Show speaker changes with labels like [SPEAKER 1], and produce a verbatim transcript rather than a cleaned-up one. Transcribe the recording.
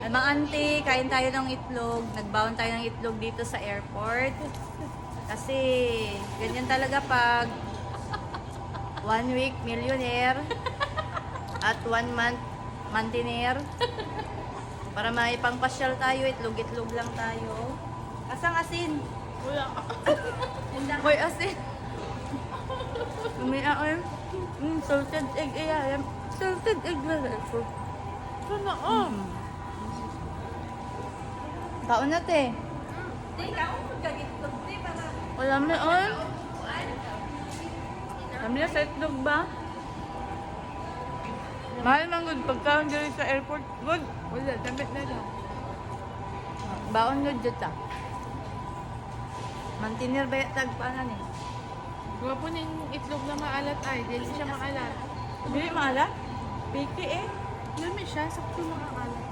[SPEAKER 1] Ay, mga auntie, kain tayo ng itlog. Nagbaon tayo ng itlog dito sa airport. Kasi, ganyan talaga pag one week millionaire at one month mantiner. Para may pangpasyal tayo, itlog-itlog lang tayo. Asang asin?
[SPEAKER 2] Wala.
[SPEAKER 1] Hoy, asin. May ako yun. Mm, salted egg, ayan. Salted egg na ito.
[SPEAKER 2] Sana oh.
[SPEAKER 1] Kaon na, te. Wala mo on. Kami na sa itlog ba? Mahal man good pagkaon dito sa airport. Good.
[SPEAKER 2] Wala, damit na lang.
[SPEAKER 1] Baon good dito. Mantiner ba yung tagpaanan eh?
[SPEAKER 2] Gawa po na yung itlog na maalat ay. Dili siya maalat.
[SPEAKER 1] Hindi maalat? Piki eh.
[SPEAKER 2] Lami siya, sakto makakalat.